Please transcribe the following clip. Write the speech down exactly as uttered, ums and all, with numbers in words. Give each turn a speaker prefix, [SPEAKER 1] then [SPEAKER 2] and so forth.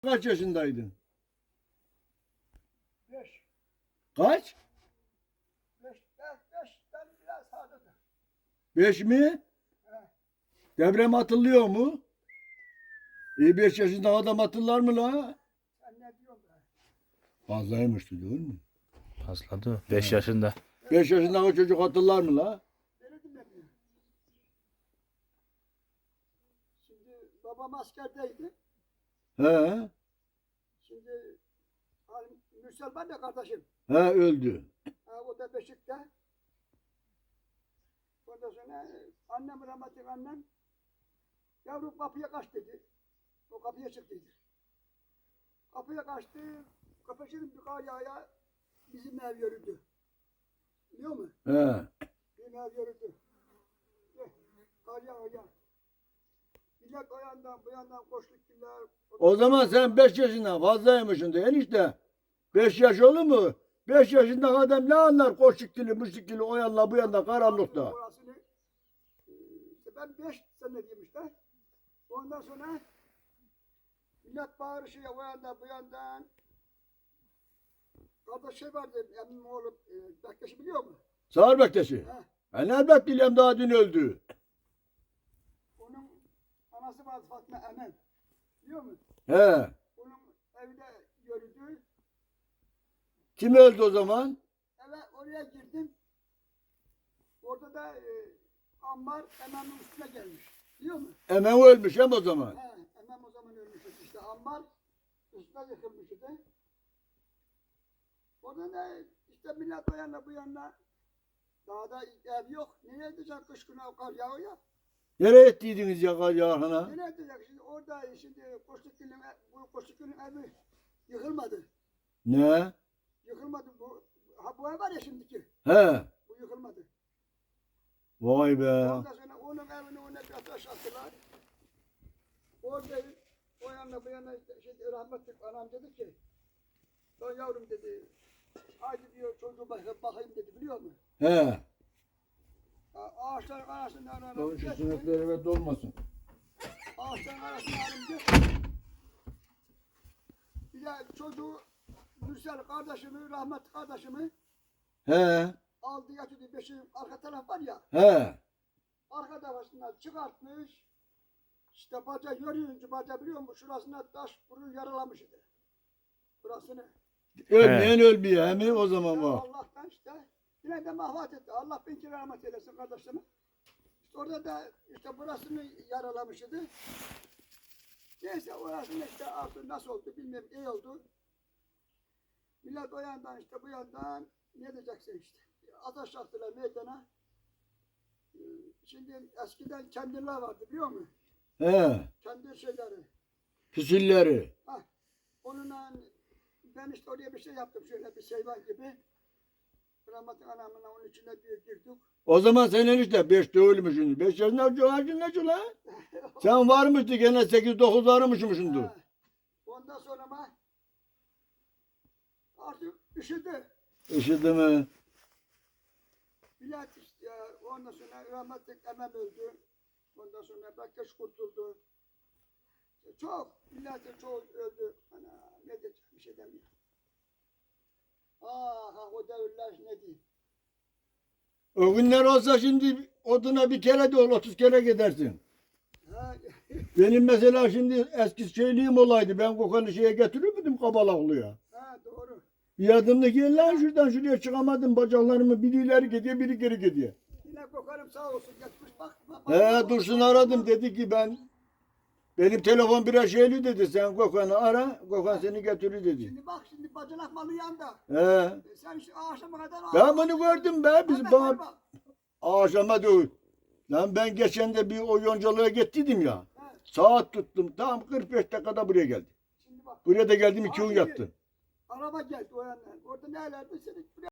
[SPEAKER 1] Kaç yaşındaydın?
[SPEAKER 2] Beş.
[SPEAKER 1] Kaç?
[SPEAKER 2] Beş, beş, beşten biraz sağdadır.
[SPEAKER 1] Beş mi?
[SPEAKER 2] He.
[SPEAKER 1] Deprem hatırlıyor mu? İyi beş yaşında adam hatırlar mı la?
[SPEAKER 2] Sen ne diyorsun be?
[SPEAKER 1] Fazlaymıştı değil mi?
[SPEAKER 3] Fazladı. beş yaşında.
[SPEAKER 1] Beş yaşında o çocuk hatırlar mı la?
[SPEAKER 2] Beni dinlemiyor. Şimdi babam askerdeydi.
[SPEAKER 1] He.
[SPEAKER 2] Şimdi Halim Mürsel ben de kardeşim.
[SPEAKER 1] He öldü.
[SPEAKER 2] Ha, o da Beşik'te. Ondan sonra annem rahmetli annem yavrum kapıya kaç dedi. O kapıya çıktıydı. Kapıya kaçtı. Kapışırım bir kar yağaya bizim ev yürüdü. Biliyor musun?
[SPEAKER 1] He.
[SPEAKER 2] Bizim ev yürüdü. Eh, Kar yağaya. Millet o yandan bu yandan koştuklar.
[SPEAKER 1] O zaman sen beş yaşından fazlaymışsın de enişte. Beş yaş olur mu? Beş yaşında adam ne anlar koşuk dili, müşrik dili o yanla bu yanda karanlıkta.
[SPEAKER 2] Orasını, e, işte ben beş sene diyeyim işte. Ondan sonra millet bağırışıyor o yandan bu yandan. Kardeş şey vardı, emmim oğlu e, Bektaş'ı biliyor musun?
[SPEAKER 1] Sağır Bektaş'ı.
[SPEAKER 2] He.
[SPEAKER 1] Ben elbet biliyorum daha dün öldü.
[SPEAKER 2] Onun anası vardı Fatma Emen. Biliyor musun?
[SPEAKER 1] He.
[SPEAKER 2] Onun evde yürüdü.
[SPEAKER 1] Kim öldü o zaman?
[SPEAKER 2] Eve oraya girdim. Orada da e, Ammar Emen'in üstüne gelmiş. Biliyor musun?
[SPEAKER 1] Hemen ölmüş hem o zaman.
[SPEAKER 2] He, Emem o zaman ölmüş işte. Ammar üstüne yıkılmış idi. Orada da işte millet o yana bu yana. Dağda ev yok. Nereye edecek kış günü o kar yağıyor?
[SPEAKER 1] Nereye ettiydiniz ya kar yağına?
[SPEAKER 2] Nereye edecek? Şimdi orada şimdi Koçlukgül'ün bu Koçlukgül'ün evi yıkılmadı.
[SPEAKER 1] Ne?
[SPEAKER 2] Yıkılmadı bu. Ha bu ev var ya şimdiki.
[SPEAKER 1] He.
[SPEAKER 2] Bu yıkılmadı.
[SPEAKER 1] Vay be.
[SPEAKER 2] Ondan sonra onun evini ona bir ateş attılar. Orada o yana bu yana işte rahmetli anam dedi ki lan yavrum dedi haydi diyor çocuğu bakayım, bakayım dedi biliyor musun?
[SPEAKER 1] He.
[SPEAKER 2] A- Ağaçların arasından
[SPEAKER 1] Şu
[SPEAKER 2] aranım geçti.
[SPEAKER 1] sinekler evet olmasın.
[SPEAKER 2] Ağaçların arasından aranım geçti. Bir de çocuğu Mürsel kardeşimi, rahmetli kardeşimi
[SPEAKER 1] He.
[SPEAKER 2] aldı yatırdı beşi arka taraf var ya.
[SPEAKER 1] He.
[SPEAKER 2] Arka tarafından çıkartmış. İşte baca yürüyünce baca biliyor musun? Şurasına taş vuru yaralamış idi. Burasını.
[SPEAKER 1] Ölmeyen ölmüyor he mi o zaman
[SPEAKER 2] Ya
[SPEAKER 1] bu?
[SPEAKER 2] Allah'tan işte yine de mahvat etti. Allah bin kere rahmet eylesin kardeşlerime. İşte orada da işte burasını yaralamış idi. Neyse orasını işte artık nasıl oldu bilmiyorum iyi oldu. Millet o yandan işte bu yandan ne diyeceksin işte. Ateş attılar meydana. Ee, Şimdi eskiden kendirler vardı biliyor musun?
[SPEAKER 1] He.
[SPEAKER 2] Kendi şeyleri.
[SPEAKER 1] Füsilleri.
[SPEAKER 2] Hah. Onunla ben işte oraya bir şey yaptım şöyle bir şey var gibi. Rahmetli anamla onun içine bir girdik.
[SPEAKER 1] O zaman sen enişte beşte ölmüşsün. Beş yaşında çoğacın ne şu lan? Sen varmıştı gene sekiz dokuz varmışmışsındır.
[SPEAKER 2] Ha. Ondan sonra ama artık üşüdü.
[SPEAKER 1] Işıdı mı?
[SPEAKER 2] Millet işte ya, ondan sonra rahmetli emem öldü. Ondan sonra Bektaş kurtuldu. Çok, milletin çoğu öldü. Ana ne diyeceğim bir şey demiyorum. Ah ah o devirler ne diyeyim.
[SPEAKER 1] O günler olsa şimdi oduna bir kere de ol otuz kere gidersin.
[SPEAKER 2] Ha,
[SPEAKER 1] Benim mesela şimdi eski şeyliğim olaydı. Ben kokanı şeye getirir müydüm Kabalaklı'ya?
[SPEAKER 2] ha doğru.
[SPEAKER 1] Bir adımda gel lan şuradan şuraya çıkamadım. Bacaklarımı biri ileri gidiyor biri geri gidiyor.
[SPEAKER 2] Yine kokarım sağ olsun geçmiş bak. bak
[SPEAKER 1] He
[SPEAKER 2] bak,
[SPEAKER 1] Dursun
[SPEAKER 2] bak,
[SPEAKER 1] aradım
[SPEAKER 2] bak.
[SPEAKER 1] dedi ki ben benim telefon biraz şeyli dedi. Sen Gökhan'ı ara. Gökhan seni getirir dedi.
[SPEAKER 2] Şimdi bak şimdi bacanak malı yanda.
[SPEAKER 1] He.
[SPEAKER 2] E, Sen işte akşama kadar
[SPEAKER 1] Ben bunu gördüm be. Biz
[SPEAKER 2] Hemen
[SPEAKER 1] bana
[SPEAKER 2] bak.
[SPEAKER 1] akşama değil. Lan ben geçen de bir o yoncalığa gittiydim ya.
[SPEAKER 2] He,
[SPEAKER 1] Saat tuttum. Tam kırk beş dakikada buraya geldim.
[SPEAKER 2] Şimdi bak.
[SPEAKER 1] Buraya da geldim iki
[SPEAKER 2] Aa,
[SPEAKER 1] gün
[SPEAKER 2] şimdi
[SPEAKER 1] yattım.
[SPEAKER 2] Araba geldi o yandan. Orada nelerdi? Seni